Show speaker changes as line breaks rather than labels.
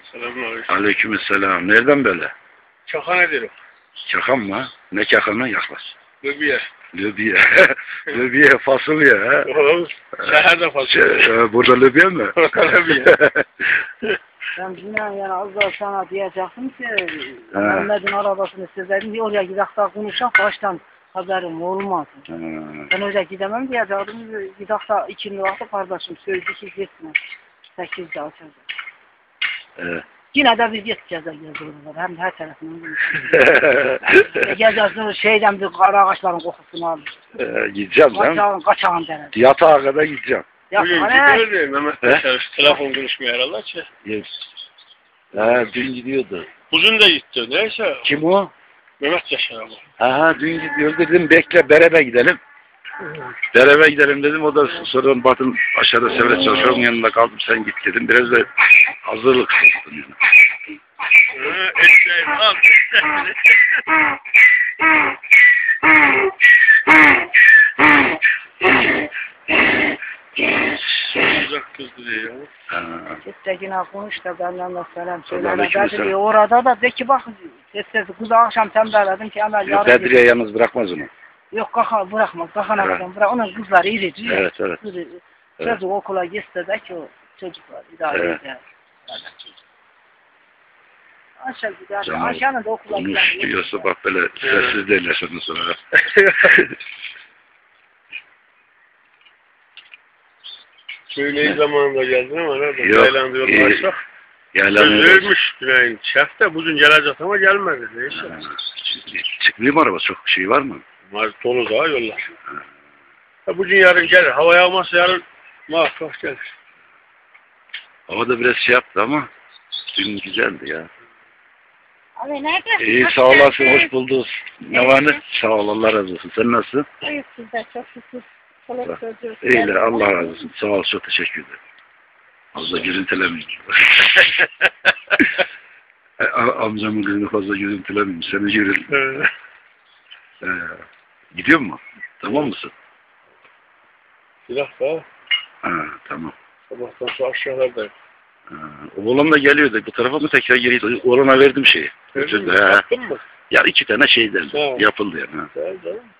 Selamünaleyküm.
Aleykümselam. Nereden böyle?
Çaka nedir o?
Çakam mı? Ne çakamı? Yaklaş.
Löbiye.
Löbiye. Löbiye fasulye ha.
Şehirde fasulye.
Burada löbiye mi?
Löbiye.
Ben yine yani az daha sana diyecektim ki Mehmet'in arabasını sizlerin diye oraya gidek daha konuşak baştan haberim olmaz. Ben oraya gidemem diyecektim. Gidek daha ikindi vakti kardeşim söyledi ki gitme. 8'de açacağız.
Evet.
Yine de biz gideceğiz oralara. Hem de her tarafından gezeceğiz şeyden bir kara ağaçların kokusunu alır.
Gideceğim canım.
Kaçağın derler.
Yatağa kadar gideceğim.
Bugün gidiyor değil Mehmet Yaşar. Telefon konuşmuyor herhalde ki.
Dün gidiyordu.
Uzun da gitti. Neyse.
Kim o?
Mehmet Yaşar ama.
Dün gidiyor dedim bekle beraber gidelim. Beraber gidelim dedim. O da sonra Batın aşağıda Sevret çalışıyorum yanında kaldım sen git dedim. Biraz da hazırlık yaptım yani.
Eşeğim al. Uzak kızdı diye ya.
Gittekine konuş da benden de selam söyle. Orada da de ki bak sesi kızı akşam tembelledim ki hemen yarın.
Bedriye yalnız bırakmaz onu.
Yok bırakmaz. Kakana bırak. Onun kızları irici.
Evet.
Çocuk okula gitse de ki o çocuklar idare eder. Aşağı gider. Aşağının da okula gider.
Konuş diyorsa bak böyle sessiz değiller sonra.
Söyleyi zamanında geldin ama nerede?
Yok.
Yaylan diyorlarsak. Ölmüş Güney'in. Şef de bugün gelecek ama gelmedi. Neyse.
Çıkmıyor mu araba? Çok şey var mı?
Var dolu daha yollar. Bugün yarın gelir. Hava yağmazsa yarın muhakkak gelir.
Hava da biraz şey yaptı ama dün güzeldi ya.
Abi nerede?
İyi sağ olasın. Hoş bulduk. Ne var ne? Sağ ol. Allah razı olsun. Sen nasılsın?
Hayır sizde çok şükür.
İyiler. Allah razı olsun. Sağ ol. Çok teşekkür ederim. Fazla görüntülemeyeyim. Amcamın kızını fazla görüntülemeyeyim. Seni görün. Gidiyor mu? Tamam mısın?
Silah da.
Tamam.
Sabahtan sonra aşağılardayım.
Oğlan da geliyordu. Bu tarafa mı tekrar geliyordu? Oğlana verdim şeyi.
Verdin mi? Yaptın mı?
Ya 2 tane şeyden yapıldı yani.
Güzel canım.